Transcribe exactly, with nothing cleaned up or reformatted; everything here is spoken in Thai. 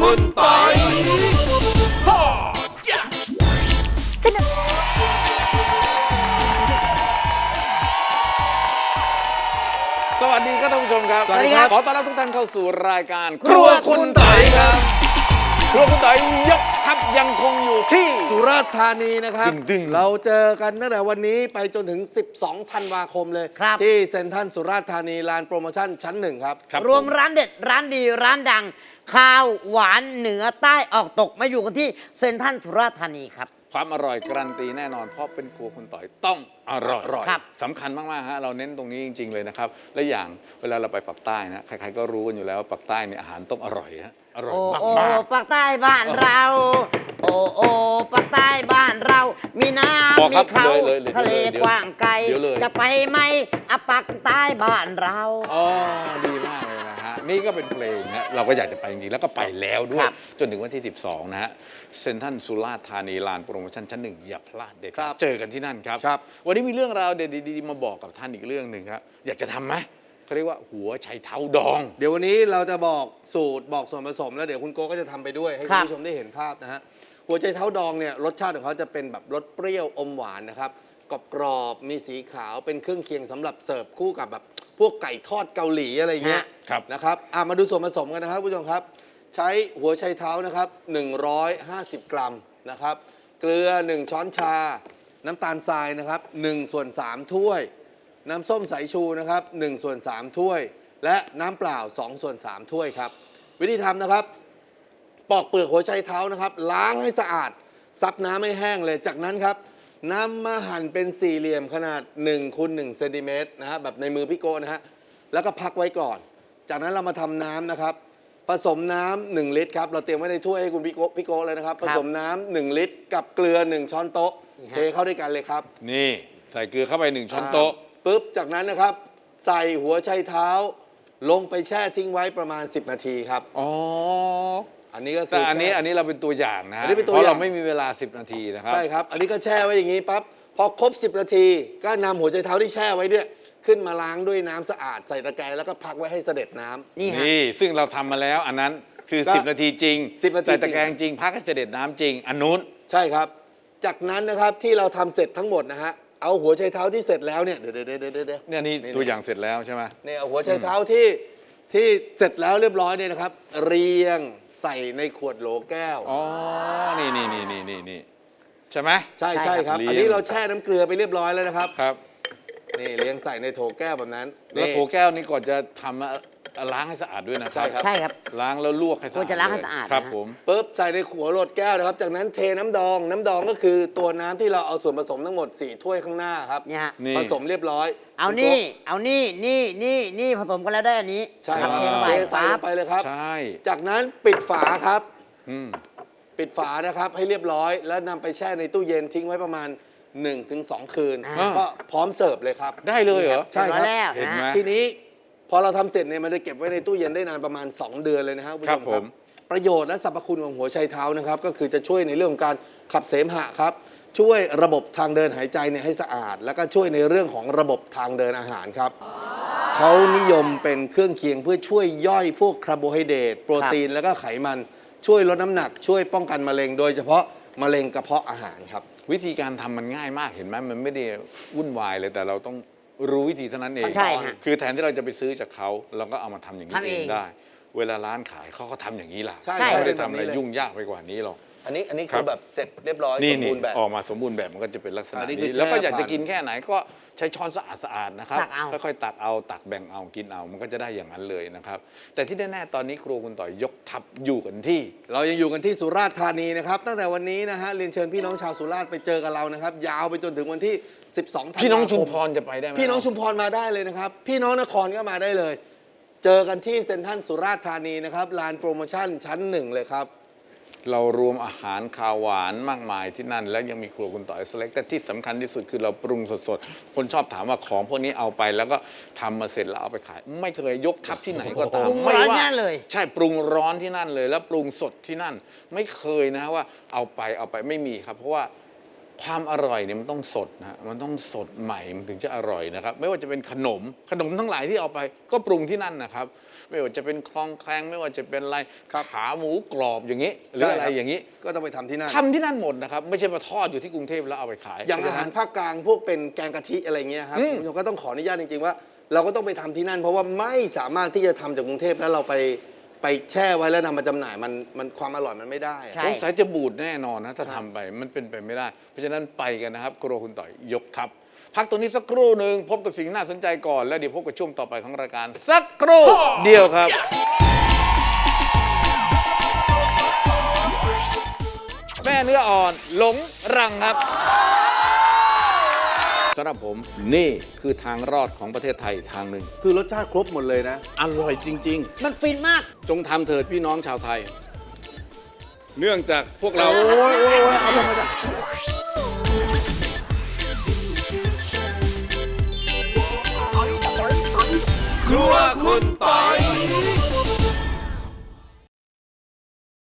คุณปอยสนุกสวัสดีครับท่านผู้ชมครับสวัสดีครับขอต้อนรับทุกท่านเข้าสู่รายการครัวคุณไต่ครับครัวคุณไต่ยกทัพยังคงอยู่ที่สุราษฎร์ธานีนะครับดึงๆเราเจอกันตั้งแต่วันนี้ไปจนถึง สิบสอง ธันวาคมเลยครับที่เซ็นทรัลสุราษฎร์ธานีลานโปรโมชั่นชั้นหนึ่งครับครับรวมผร้านเด็ดร้านดีร้านดังข้าวหวานเหนือใต้ออกตกมาอยู่กันที่เซ็นทรัลสุราษฎร์ธานีครับความอร่อยการันตีแน่นอนเพราะเป็นครัวคุณต่อยต้องอร่อยอร่อยครับสำคัญมากๆฮะเราเน้นตรงนี้จริง ๆ เลยนะครับและอย่างเวลาเราไปปักใต้นะใครๆก็รู้กันอยู่แล้วว่าปักใต้เนี่ยอาหารต้องอร่อยฮะอร่อยโอ้มากโอ้มากปากใต้บ้านเรา โอ้โอ้ปากใต้บ้านเรา มีน้บอกำมีครับเขาเลยเลยเลยทะเลเดี๋ยวกว้างไกลเดี๋ยวเลยจะไปไหมอะปากใต้บ้านเราอ๋อดีมากเลยนะฮะนี่ก็เป็นเพลงนะเราก็อยากจะไปจริงๆแล้วก็ไปแล้วด้วคยรับจนถึงวันที่ สิบสอง นะฮะเซ็นทรัลสุราษฎร์ธานีลานโปรโมชั่นชั้นหนึ่งอย่าพลาดเด็ดครับเจอกันที่นั่นครับครับวันนี้มีเรื่องราวเด็ดๆดีๆมาบอกกับท่านอีกเรื่องหนึ่งครับอยากจะทำไหมเขาเรียกว่าหัวไชเท้าดองเดี๋ยววันนี้เราจะบอกสูตรบอกส่วนผสมแล้วเดี๋ยวคุณโก้ก็จะทำไปด้วยให้คคุรัณบผู้ชมได้เห็นภาพนะฮะหัวใจเท้าดองเนี่ยรสชาติของเขาจะเป็นแบบรสเปรี้ยวอมหวานนะครับกรอบๆมีสีขาวเป็นเครื่องเคียงสำหรับเสิร์ฟคู่กับแบบพวกไก่ทอดเกาหลีอะไรเงี้ยครับนะครับอ่ะมาดูส่วนผสมกันนะครับผู้ชมครับ ใช้หัวไชเท้านะครับหนึ่งร้อยห้าสิบกรัมนะครับเกลือหนึ่งช้อนชา น้ำตาลทรายนะครับหนึ่งส่วนสามถ้วย น้ำส้มสายชูนะครับหนึ่งส่วนสามถ้วย และน้ำเปล่าสองส่วนสามถ้วยครับ วิธีทำนะครับ ปอกเปลือกหัวไชเท้านะครับ ล้างให้สะอาด ซับน้ำให้แห้งเลย จากนั้นครับนำมาหั่นเป็นสี่เหลี่ยมขนาด1คูณ1เซนติเมตรนะฮะแบบในมือพี่โก้นะฮะแล้วก็พักไว้ก่อน จากนั้นเรามาทำน้ำนะครับ ผสมน้ำหนึ่งลิตรครับ เราเตรียมไว้ในถ้วยให้คุณพี่โก้พี่โก้เลยนะครับ ผสมน้ำหนึ่งลิตร กับเกลือหนึ่งช้อนโต๊ะนี่เทฮะเข้าด้วยกันเลยครับนี่ใส่เกลือเข้าไปหนึ่งช้อนโต๊ะอ่าปุ๊บ จากนั้นนะครับ ใส่หัวไชเท้า ลงไปแช่ทิ้งไว้ประมาณ สิบ นาทีครับอ๋ออันนี้ก็คืแต่ออันนี้แช่อันนี้เราเป็นตัวอย่างนะฮะอันนี้เป็นตัวเพราะอย่าเรางไม่มีเวลา สิบ นาทีนะครับใช่ครับ อันนี้ก็แช่ไว้อย่างนี้ปั๊บ พอครบ สิบ นาที ก็นำหัวไชเท้าที่แช่ไว้เนี่ยขึ้นมาล้างด้วยน้ำสะอาดใส่ตะแกรงแล้วก็พักไว้ให้เสด็จน้ำนี่ฮะนี่ซึ่งเราทำมาแล้วอันนั้นคือก็สิบ นาทีจริงสิบนาทีใส่ตะแกรงจริง พักให้เสด็จน้ำจริง อันนู้นใช่ครับ จากนั้นนะครับที่เราทำเสร็จทั้งหมดนะฮะ เอาหัวไชเท้าที่เสร็จแล้วเนี่ย เดี๋ยวเดี๋ยวเดี๋ยวเดี๋ยวเดี๋ยวเนี่ยนี่ตัวอย่างเสร็จแล้วใช่ไหมเนี่ยเอาหัวไชเท้าที่ที่เสร็จแล้วเรียบร้อยเนี่ยนะครับ เรียงใส่ในขวดโหลแก้วอ๋อ นี่นี่นี่นี่นี่นี่ใช่ไหมใช่ใช่ใช่ครับครับ อันนี้เราแช่น้ำเกลือไปเรียบร้อยแล้วนะครับครับนี่เลี้ยงใส่ในโถแก้วแบบนั้นแล้วนี่โถแก้วนี่ก่อนจะทำอะล้างให้สะอาดด้วยนะคใช่รับครับใช่ครับล้างแล้วลวกให้สะอาดควรจะล้างให้เลยสะอาดครับนะฮะผมปุ๊บใส่ในขวดโหลดแก้วนะครับ จากนั้นเทน้ำดอง น้ำดองก็คือตัวน้ำที่เราเอาส่วนผสมทั้งหมดสี่ถ้วยข้างหน้าครับเนี่ยฮะนี่ผสมเรียบร้อยเอาคุณนี่โก๊ะเอานี่นี่นี่นี่ผสมกันแล้วได้อันนี้ใช่ครับเทลงไปเทใส่ลปั๊บงไปเลยครับใช่จากนั้นปิดฝาครับอืมปิดฝานะครับให้เรียบร้อย แล้วนำไปแช่ในตู้เย็นทิ้งไว้ประมาณ หนึ่งถึงสอง คืนอ่าก็พร้อมเสิร์ฟเลยครับได้เลยเหรอใช่ครับเรียอยแล้วเห็นไหมนะทีนี้พอเราทำเสร็จเนี่ยมันจะเก็บไว้ในตู้เย็นได้นานประมาณ สอง เดือนเลยนะครับณผู้ชครับผมประโยชน์และสรรพคุณของหัวไชเท้านะครับ ก็คือจะช่วยในเรื่องของการขับเสมหะครับ ช่วยระบบทางเดินหายใจเนี่ยให้สะอาด แล้วก็ช่วยในเรื่องของระบบทางเดินอาหารครับเขานิยมเป็นเครื่องเคียงเพื่อช่วยย่อยพวกคาร์โบไฮเดรตโปรตีนแล้วก็ไขมันช่วยลดน้ำหนัก ช่วยป้องกันมะเร็ง โดยเฉพาะมะเร็งกระเพาะอาหารครับวิธีการทำมันง่ายมากเห็นไหมมันไม่ได้วุ่นวายเลยแต่เราต้องรู้วิธีเท่านั้นเองใช่ฮะคือแทนที่เราจะไปซื้อจากเขาเราก็เอามาทำอย่างนี้ทำเอเองงได้ เวลาร้านขายเขาก็ทำอย่างนี้ล่ะใช่เขาไม่ได้ใช่ทำอะไรเป็นแบบนี้เลยยุ่งยากไปกว่านี้หรอกอันนี้อันนี้ครัคือบ แบบเสร็จเรียบร้อยนี่สมนี่บูรณ์แบบออกมาสมบูรณ์แบบมันก็จะเป็นลักษณะอันนี้คือนี้แล้วก็แช่อยากจะผ่านกินแค่ไหนก็ใช้ช้อนสะอาดสะอาดนะครับตักเอาค่อยๆตักเอาตักแบ่งเอากินเอามันก็จะได้อย่างนั้นเลยนะครับแต่ที่แน่ๆตอนนี้ครัวคุณต่อยยกทัพอยู่กันที่เรายังอยู่กันที่สุราษฎร์ธานีนะครับ ตั้งแต่วันนี้นะฮะเรียนเชิญพี่น้องชาวสุราษฎร์ไปเจอกับเรานะครับ ยาวไปจนถึงวันที่ สิบสองธันวาคมพี่น้องชุมพรจะไปได้ไหมพี่น้องชุมพรมาได้เลยนะครับ พี่น้องนครก็มาได้เลย เจอกันที่เซ็นทรัลสุราษฎร์ธานีนะครับลานโปรโมชั่นชั้นหนึ่งเลยครับเรารวมอาหารคาวหวานมากมายที่นั่น แล้วยังมีครัวคุณต่อยสเล็กแต่ที่สำคัญที่สุดคือเราปรุงสดๆคนชอบถามว่าของพวกนี้เอาไปแล้วก็ทำมาเสร็จแล้วเอาไปขาย ไม่เคยยกทัพที่ไหนก็ตามปรุงไม่ร้อนว่าที่นั่นเลยใช่ปรุงร้อนที่นั่นเลย แล้วปรุงสดที่นั่น ไม่เคยนะว่าเอาไปเอาไปไม่มีครับ เพราะว่าความอร่อยเนี่ยมันต้องสดนะฮะมันต้องสดใหม่มันถึงจะอร่อยนะครับ ไม่ว่าจะเป็นขนมขนมทั้งหลายที่เอาไปก็ปรุงที่นั่นนะครับ ไม่ว่าจะเป็นคลองแคลงไม่ว่าจะเป็นอะไรขาหมูกรอบอย่างนี้หรืออะไรอย่างนี้ก็ต้องไปทำที่นั่นทำที่นั่นหมดนะครับ ไม่ใช่มาทอดอยู่ที่กรุงเทพแล้วเอาไปขายอย่างอาหารภาคกลางพวกเป็นแกงกะทิอะไรเงี้ยครับอืมคุณผู้ชมก็ต้องขออนุญาตจริงๆว่า เราก็ต้องไปทำที่นั่น เพราะว่าไม่สามารถที่จะทำจากกรุงเทพแล้วเราไปไปแช่ไว้แล้วนำมาจำหน่ายมันมันความอร่อยมันไม่ได้อะใช่สงสัยจะบูดแน่นอนนะถ้าทำไปมันเป็นไปไม่ได้ เพราะฉะนั้นไปกันนะครับครัวคุณต่อยยกทัพพักตรงนี้สักครู่หนึ่งพบกับสิ่งน่าสนใจก่อนแล้วเดี๋ยวพบกับช่วงต่อไปของรายการสักครู่เดียวครับ แม่เนื้ออ่อนหลงรังครับสำหรับผมนี่คือทางรอดของประเทศไทยทางหนึ่งคือรสชาติครบหมดเลยนะอร่อยจริงมันฟินมากๆ จงทำเถิดพี่น้องชาวไทย เนื่องจากพวกเราโอ้ยโอ้ยโอ้ยเอาธรรมดาครัวคุณปอย